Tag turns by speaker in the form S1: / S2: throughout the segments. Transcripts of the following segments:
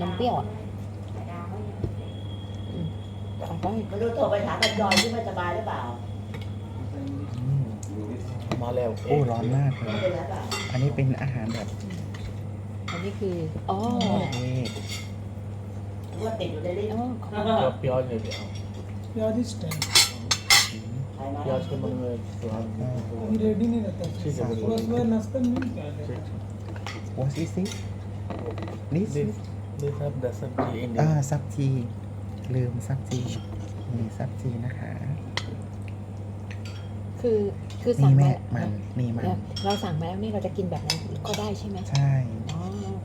S1: นมเปรี้ยวอ่ะตักได้
S2: มาดูโทรไปถามกันจอยที่ไม่สบายหรือเปล่า
S3: มาแล้ว
S4: โอ้ร้อนมากเล
S2: ไม่
S4: ย
S2: เป็นไรเปล่า
S4: อันนี้เป็นอาหารแบบ
S1: อันนี้คืออ๋อ
S4: นี่
S2: ว่าติดอยู่ในลิ้น
S1: อ๋อ
S3: क्या प्याज है क्या
S5: प्याज इस टाइम
S2: ใครมา
S3: प्याज के मन में सुहाग
S5: अभी रेडी नहीं रहता
S3: ठीक है
S5: सुबह सुबह नाश्ता में नहीं क्या
S3: ठीक
S4: what is it this
S3: this have the sabji in
S4: ซับจีลืมซับจีนี่ซับจีนะคะ
S1: คือ
S4: นี่
S1: สั่ง
S4: แม่
S1: มา
S4: มันนี่มัน
S1: เราสั่งมาแล้วนี่เราจะกินแบบนั้นก็ได้ใช่ไหม
S4: ใช่
S1: อ๋อ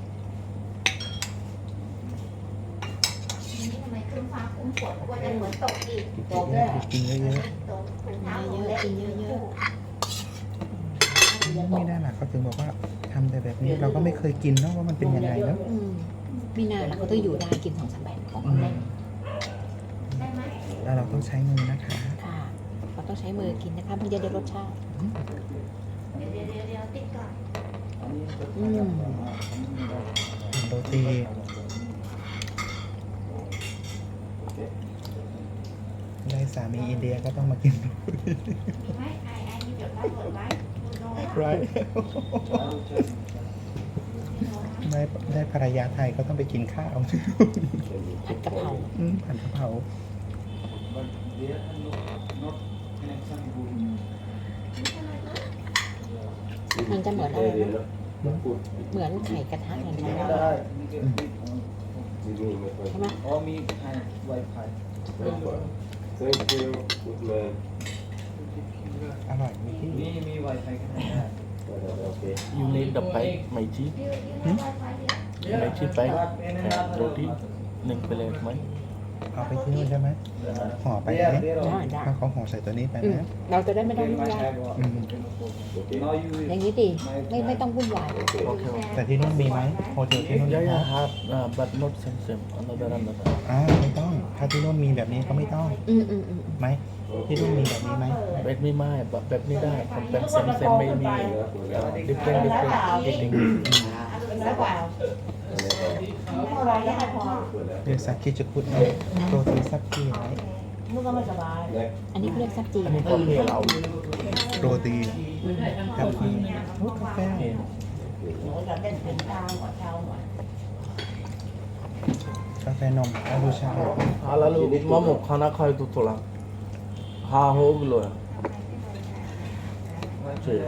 S6: นี่ทำไมขึ้นฟ้าคุ้มฝนกลัวจะเหมือนตกอีก
S4: กินเยอะ
S6: ตกถุงเท้า
S1: เยอะๆกินเยอะ
S4: ๆไม่ได้หรอกเขาถึงบอกว่าทำแต่แบบนี้เราก็ไม่เคยกินเนาะว่ามันเป็นยังไงเนาะ
S1: ๆมีนาล่ะเขาต้องอยู่ได้กิน2-3แบบของ
S4: อืม
S1: เล่น
S6: ได้ไหม
S4: แล้วเราต้องใช้มือนะคะ
S1: ค่ะเราต้องใช้มือกินนะคะมันจะได้รสชาติ
S6: เดี๋ยวติดก่อน
S1: อืม
S4: โรตีได้สามีอินเดียก็ต้องมากิน
S6: มีไหมไอ้มีจดได้จดไว้โน้ต
S4: right ได้ภรรยาไทยก็ต้องไปกินข้าว
S1: ผัดกะเพรา
S4: ผัดกะเพรา
S1: มันจะเหมือนอะไรนะเหมือนไข่กระทะเหมือนกันใช่ไหม
S5: और me wifi
S7: Thank you. Good man.
S4: อร่อยไหมพี่
S5: me wifi का
S7: Okay.
S3: you need the pie ไม่ชีสไม่ชีสไปโรตี1 प्लेटไหม
S4: เอาไปที่นู่นใช่ไหมห่อไปไหม
S1: ได้
S4: ถ้าเขาห่อใส่ตัวนี้ไป
S1: อืม
S4: นะ
S1: เราจะได้ไม่ต้องวุ่นวาย
S5: now you
S1: อย่างนี้ดีไม่ต้องวุ่นวาย
S3: โอเค
S4: แต่ที่นู่นมีไหมโฮเทลที่นู่น
S3: yeah
S4: มี
S3: yeah
S4: ไหม
S3: have but not same another
S4: ไม่ต้อง ถ้าที่นู่นมีแบบนี้ก็ไม่ต้อง
S1: อืม
S4: ไหมที่นู่นมีแบบนี้ไหม
S3: แบบไม่ไม่แบบนี้ได้ผมเป็นเซมไม่มี different eating
S2: เป็นไรเปล่าอะไรได้พอ
S4: เรียกซักคิจะคุดเนาะโรตีซักคีไหม
S2: มึงก็ไม่สบาย
S1: อันนี้เขาเรียกซับจี
S3: อันนี้ก็เพื่อเรา
S4: โรตีกาแฟกาแฟ
S2: หนูจะเล่นถึงเช้าหัวเช้าหัว
S4: กาแฟนมอาบูชา
S3: हाँ लालू मामू खाना खाए तो थोड़ा हाँ हो गलो है ठीक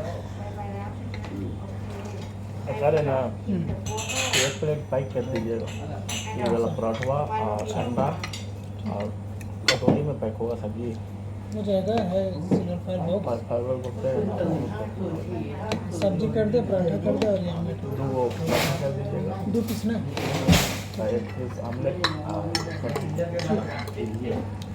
S3: अरे ना 1 प्लेट पैक कर दीजिएगा ये वाला पराठा और अंडा और कटोरी में पैक होगा सब्जी
S5: हो जाएगा है सिंगल फाइल बॉक्स
S3: फाइबर बोलते हैं
S5: सब्जी कर दे पराठा कर दे और ये ऑमलेट
S3: 2 पराठा कर दीजिएगा
S5: 2 पीस ना
S3: 1 पीस ऑमलेट और सब्जी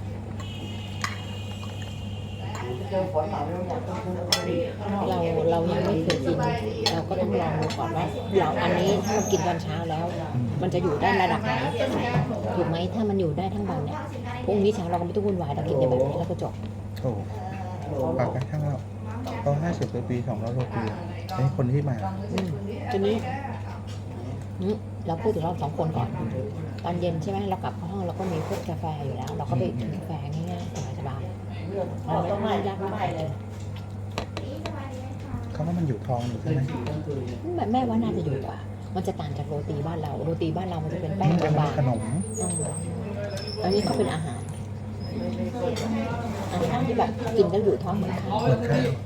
S2: เจอฝนมาไม่อยากต้องซื้อ
S1: เรายังไม่เคยกิน เราก็ต้องลองดูก่อนว่าเราอันนี้ถ้าเรากินตอนเช้าแล้ว มันจะอยู่ได้ระดับไหนถูกไหมถ้ามันอยู่ได้ทั้งวันเนี่ยพรุ่งนี้เช้าเราก็ไม่ต้องวุ่นวายเรากินแต่แบบนี้แล้วก็จบ
S4: โถปากกระทั่งเราก็50 ปี200 โรตีในคนที่มา
S1: ทีนี้เราพูดถึงเรา2 คนก่อน ตอนเย็นใช่ไหมเรากลับเข้าห้องเราก็มีพวกกาแฟอยู่แล้ว เราก็ไปกินกาแฟง่ายๆสบายๆเราไม่ต้องยากมากเลย
S4: เขาว่ามันอยู่ท้องอยู่ใช่ไหม
S1: แม่ว่าน่าจะอยู่กว่า มันจะต่างจากโรตีบ้านเรา โรตีบ้านเรามันจะเป็นแป้ง
S4: เป็น
S1: บาง
S4: ขนม
S1: ๆอันนี้เขาเป็นอาหารที่แบบกินแล้วอยู่ท้องเหมือนข้าว
S4: เหมือนข้าว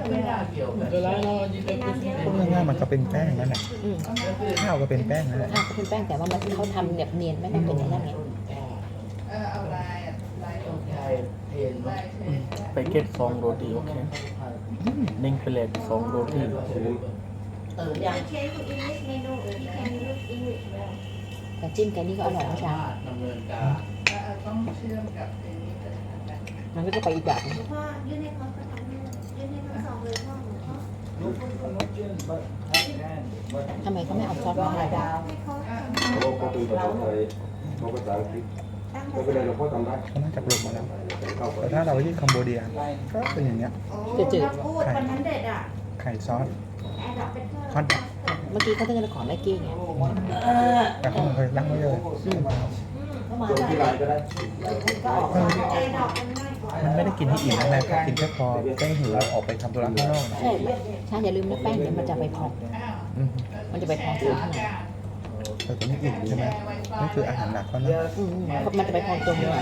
S4: พูดง่ายๆมันก็เป็นแป้งนั่นแหละ
S1: อืม
S4: ข้าวก็เป็นแป้งนั่นแหละ
S1: ข้าวก็เป็นแป้งแต่ว่ามันเขาทำแบบเนียนไม่ต้องเป็นอย่างนั้นไง
S3: packet 2 roti okay 1 plate 2 roti
S2: ตื่นยัง
S6: เชฟคุณอิงลิชเมนูที่แคนยูสอิงลิช
S1: แต่จิ้มกันนี่ก็อร่อยนะจ๊ะมันก็จะไปอีกแบบนึง
S6: พ่อยื่นให้เขาก็ทำให้ยื่นให้ทั้งสองเลยพ่อหนูพ่อ
S1: ทำไมเขาไม่เอาซอสมาให้เราบ้าง
S6: ให้เขา
S7: เขาก็เป็นภาษาไทยเขาภาษาอังกฤษ
S6: ตั้ง
S7: ไม่เป็นไรเราพ่อทำได้
S4: เขาน่าจะปรุงมาแล้ว
S7: เข้าไป
S4: แต่ถ้าเราไปที่คัมโบเดียก็เป็นอย่างเงี้ย
S6: โอ้เราพูดวันนั้นเด็ดอ่ะ
S4: ไข่ซอส
S6: แอร์ดรอปเป็นเพื่อน
S4: ฮอตดอก
S1: ไมื่อกี้เขาต้องขอแม่กี้ไง
S4: แต่เขาเคยนั่งไว้เลย
S7: ส่งที่ไลน์ก็ได้
S4: มันไม่ได้กินให้อิ่มนะแม่กินแค่พอแก้หิวออกไปทำธุระข้างนอกนะ
S1: ใช่ใช่อย่าลืมนะแป้งเดี๋ยวมันจะไปพอง
S4: อืม
S1: มันจะไปพองตัวข้างใน
S4: แต่ตัวนี้อิ่มใช่ไหมนี่คืออาหารหนักเขานะ
S1: มันจะไปพองตัวเนื้อ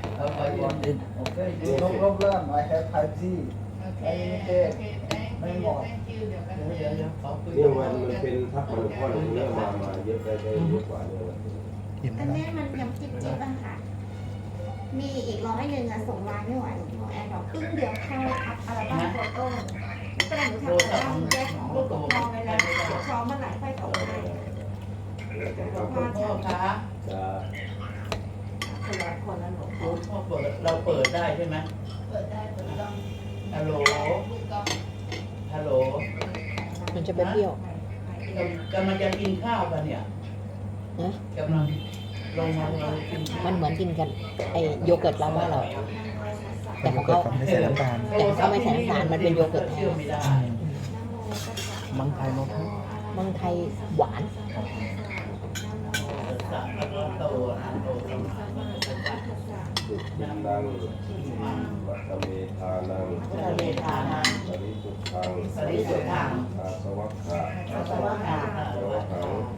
S8: No problem. I have 5G. Unlimited. ไม่หมด
S7: เนี่ยมันเป็นทับมันข้อหนึ่งเนี่ยมาเยอะได้เยอะกว่าเนี่ย
S4: อิ่ม
S6: อัน
S2: Dạ.
S4: แล้ว
S6: นี้มันยังจิ๊บจิ๊บอะค่ะ มีอีก100อะส่งไลน์ไม่ไหวหลวงพ่อแอร์ดอกครึ่งเดียวเข้าอัลบั้มโฟโต้ก็เลยหนูทำอัลบั้มแยกของลูกกับพ่อไว้แล้วพร้อมเมื่อไหร่ค่อยส่งให้หลวงพ่อ
S2: พ่อ
S6: จะ
S2: คะ
S7: จะ
S6: คนละคนละหลวงพ่อ
S2: พ่อเปิดเราเปิดได้ใช่ไหม
S6: เปิดได้เปิดต้อง
S2: ฮัลโหลฮัลโหล
S1: มันจะเป็นเปรี้ยว
S2: กำลังจะกินข้าวกันเนี่ย
S1: นะ
S2: กำลังลงมากิน
S1: มันเหมือนกินกันไอโยเกิร์ตเราว่าเรา
S4: แต่โยเกิร์ตเขาไม่ใส่น้ำตาล
S1: แต่เขาไม่ใส่น้ำตาลมันเป็นโยเกิร์ตแท้
S2: เชื่อไม่ได้
S4: มังไทยโนทั
S1: เมืองไทยหวาน
S2: สัตว์โตโต
S7: สุขินังวัตเมธานัง
S2: ทะเลทานัง
S7: ปริสุทธัง
S2: ปริสุทธัง
S7: อาสวัคขะ
S2: อาสวะหา
S7: สวัคขัง